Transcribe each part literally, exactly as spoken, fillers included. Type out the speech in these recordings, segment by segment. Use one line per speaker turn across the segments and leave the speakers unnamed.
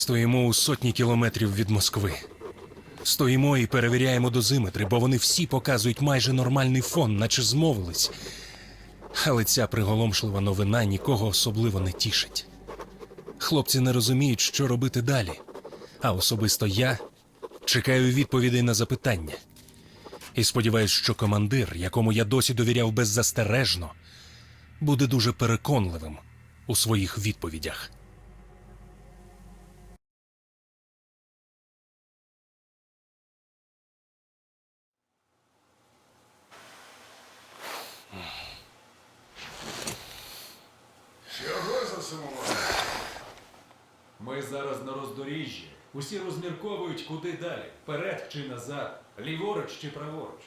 Стоїмо у сотні кілометрів від Москви. Стоїмо і перевіряємо дозиметри, бо вони всі показують майже нормальний фон, наче змовились. Але ця приголомшлива новина нікого особливо не тішить. Хлопці не розуміють, що робити далі. А особисто я чекаю відповідей на запитання. І сподіваюсь, що командир, якому я досі довіряв беззастережно, буде дуже переконливим у своїх відповідях.
Чого засумували?
Ми зараз на роздоріжжі. Усі розмірковують, куди далі. Вперед чи назад, ліворуч чи праворуч.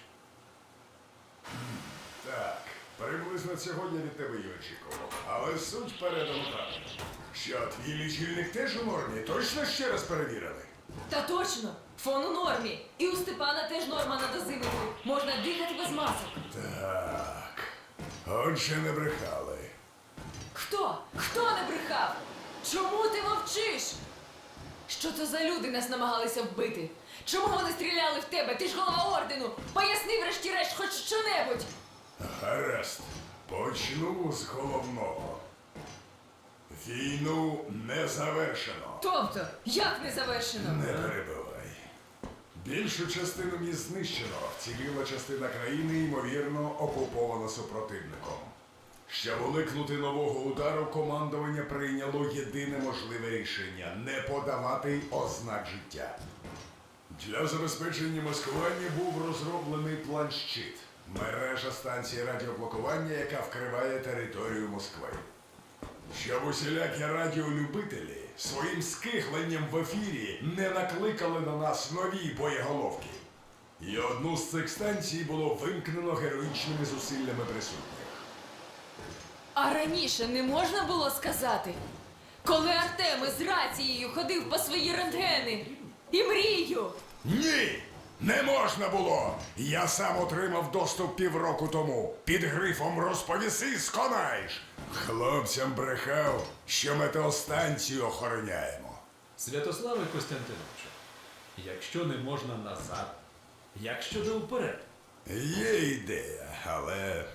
Так, приблизно цього я від тебе й очікував. Але суть передано правильно. Що, твій лічильник теж у нормі? Точно ще раз перевірили?
Та точно! Фон у нормі. І у Степана теж норма на дозиметрі. Можна дихати без масок.
Так. Отже, не брехали.
Хто? Хто не брехав? Чому ти мовчиш? Що це за люди нас намагалися вбити? Чому вони стріляли в тебе? Ти ж голова ордену! Поясни врешті-решт хоч що-небудь!
Гаразд. Почну з головного. Війну не завершено.
Тобто, як не завершено?
Не перебивай. Більшу частину міст знищено, вціліла частина країни, ймовірно, окупована супротивником. Щоб уникнути нового удару, командування прийняло єдине можливе рішення – не подавати ознак життя. Для забезпечення маскування був розроблений план-щит – мережа станцій радіоблокування, яка вкриває територію Москви. Щоб усілякі радіолюбителі своїм скихленням в ефірі не накликали на нас нові боєголовки. І одну з цих станцій було вимкнено героїчними зусиллями присутніх.
А раніше не можна було сказати? Коли Артем із рацією ходив по свої рентгени і мрію.
Ні! Не можна було! Я сам отримав доступ півроку тому. Під грифом «Розповіси, сконаєш!» Хлопцям брехав, що метеостанцію охороняємо.
Святославе Костянтиновичу, якщо не можна назад, як щодо вперед?
Є ідея, але...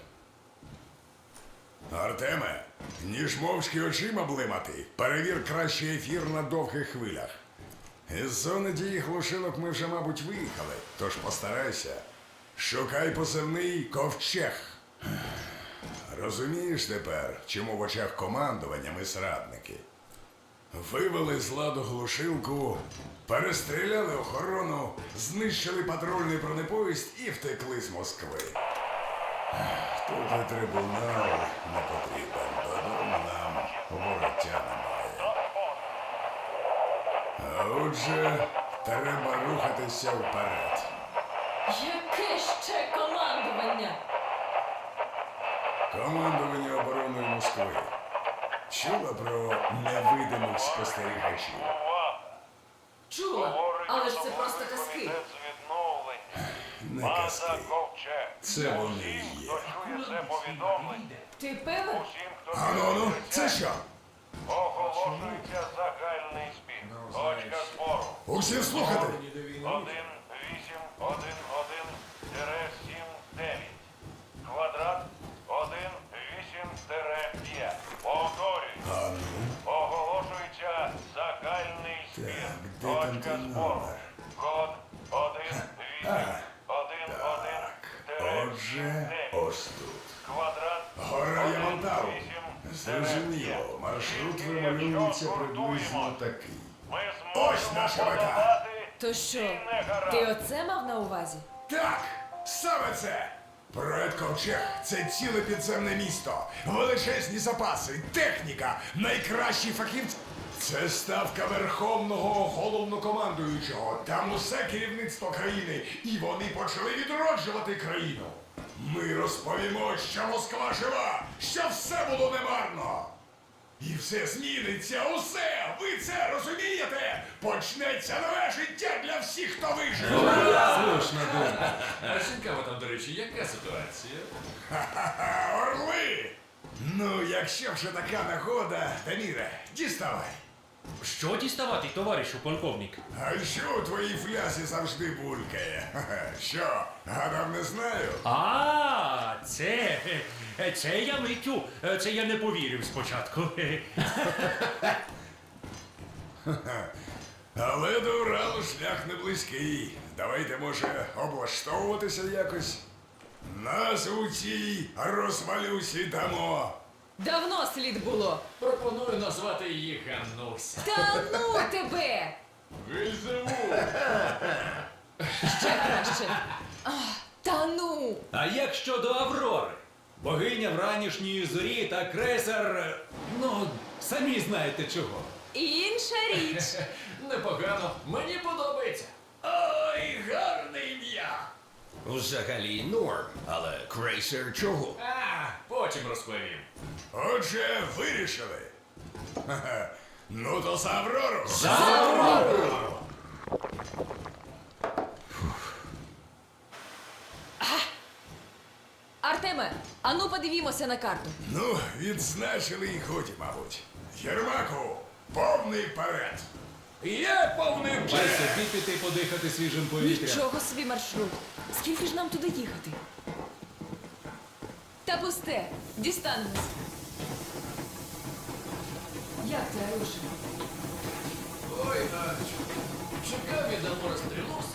Артеме, ніж мовчки очима блимати, перевір краще ефір на довгих хвилях. Із зони дії глушилок ми вже, мабуть, виїхали, тож постарайся. Шукай позивний «Ковчег». Розумієш тепер, чому в очах командування ми зрадники? Вивели з ладу глушилку, перестріляли охорону, знищили патрульний бронепоїзд і втекли з Москви. Тут і трибунал не потрібен, додому нам вороття немає. А отже, треба рухатися вперед.
Яке ще командування?
Командування обороною Москви. Чула про невидимих спостерігачів?
Чула, але ж це просто казки.
Не казки. Це вони і є.
Ти певен?
Ану-ну, це що?
Оголошується загальний збір. Точка збору.
Усі слухати.
один вісім один один сім дев'ять. Квадрат один вісім п'ять. Повторюю.
Ану,
Оголошується загальний збір.
так, де там
Точка
той
збору.
номер?
Код один вісім один один
Отже,
дев'ять.
ось тут.
Квадрат
Гора Ямантау.
один вісім
Зрозуміло, маршрут вималюється приблизно такий.
Ми
Ось
зможемо
наша мета.
подолати
То що,
всі негаразди.
ти оце мав на увазі?
Так, саме це! Проект Ковчег – це ціле підземне місто, величезні запаси, техніка, найкращі фахівці. Це ставка Верховного Головнокомандуючого. Там усе керівництво країни, і вони почали відроджувати країну. Ми розповімо, що Москва жива, що все було немарно. І все зміниться, усе! Ви це розумієте? Почнеться нове життя для всіх, хто вижив!
Слушна думка.
А цікаво там, до речі, яка ситуація?
Ха-ха-ха, орли! Ну, якщо вже така нагода, Даміре, діставай.
Що діставати, товаришу полковник?
А що у твоїй флясі завжди булькає? Ха-ха. Що, гадав не знаю?
А, це. Це я миттю. Це я не повірив спочатку.
Але до Уралу шлях не близький. Давайте, може, облаштовуватися якось. Назву цій розвалюсі дамо.
Давно слід було.
Пропоную назвати її Ганнуся.
Та ну тебе! Ще краще. А, та ну!
А як щодо Аврори? Богиня вранішньої зорі та крейсер. е, Ну, самі знаєте чого.
Інша річ.
Непогано, мені подобається.
Ой, гарне ім'я.
Взагалі норм, але крейсер чого?
А, потім розповім.
Отже, вирішили. Ха-ха. Ну то за Аврору.
Артеме, ану подивімося на карту.
Ну, відзначили і годі, мабуть. Єрмаку, повний перед. Є повний
Дай
перед.
собі піти подихати свіжим повітрям.
Нічого собі маршрут. Скільки ж нам туди їхати? Та пусте, дістанемось. Як ти, Арюша?
Ой, Надочку, чекав від Амора стрілу